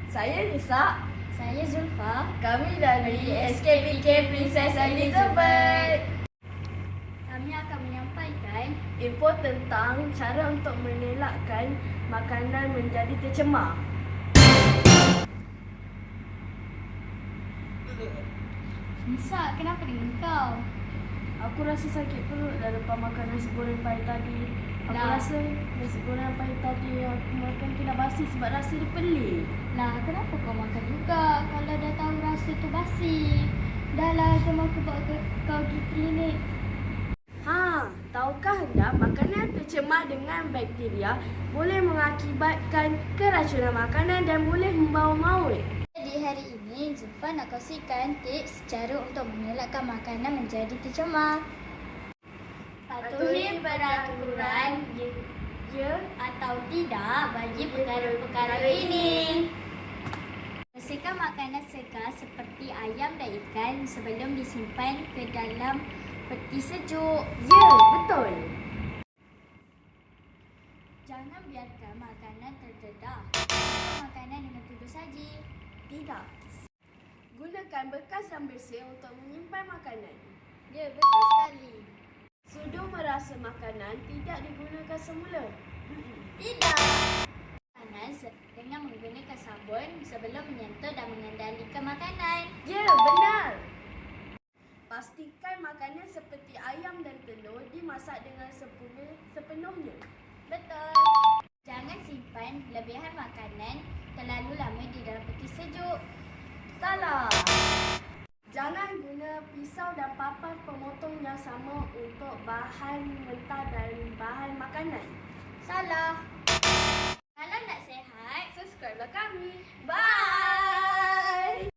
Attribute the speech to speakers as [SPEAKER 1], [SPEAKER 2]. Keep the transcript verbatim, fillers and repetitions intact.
[SPEAKER 1] Saya Nisa.
[SPEAKER 2] Saya Zulfa.
[SPEAKER 1] Kami dari S K P K Princess Elizabeth.
[SPEAKER 2] Kami akan menyampaikan
[SPEAKER 1] info tentang cara untuk mengelakkan makanan menjadi tercemar.
[SPEAKER 2] Nisa, kenapa dengan kau?
[SPEAKER 1] Aku rasa sakit perut dah lepas makan nasi goreng pahit tadi. Aku
[SPEAKER 2] Lah.
[SPEAKER 1] rasa nasi goreng pahit tadi aku makan tu dah basi sebab rasa dia pelik.
[SPEAKER 2] Lah, kenapa kau makan juga kalau dah tahu rasa tu basi? Dah lah, jom aku bawa ke, kau pergi klinik.
[SPEAKER 1] Ha, tahukah anda makanan tercemar dengan bakteria boleh mengakibatkan keracunan makanan dan boleh membawa maut.
[SPEAKER 2] Jadi hari ini Zulfa nak kongsikan tips cara untuk mengelakkan makanan menjadi tercemar. Patuhi peraturan ya atau tidak bagi perkara-perkara ini. Bersihkan makanan segar seperti ayam dan ikan sebelum disimpan ke dalam peti sejuk.
[SPEAKER 1] Ya, betul.
[SPEAKER 2] Jangan biarkan makanan terdedah. Simpan makanan dengan tutup saji.
[SPEAKER 1] Tidak. Gunakan bekas yang bersih untuk menyimpan makanan.
[SPEAKER 2] Ya, betul sekali.
[SPEAKER 1] Sudu merasa makanan tidak digunakan semula.
[SPEAKER 2] Tidak. Makanan dengan menggunakan sabun sebelum menyentuh dan mengendalikan makanan.
[SPEAKER 1] Ya, benar. Pastikan makanan seperti ayam dan telur dimasak dengan sempurna sepenuhnya.
[SPEAKER 2] Betul. Jangan simpan lebihan makanan terlalu lama di dalam peti sejuk.
[SPEAKER 1] Salah. Jangan guna pisau dan papan pemotong yang sama untuk bahan mentah dan bahan makanan.
[SPEAKER 2] Salah. Kalau nak sihat,
[SPEAKER 1] Subscribelah kami.
[SPEAKER 2] bye.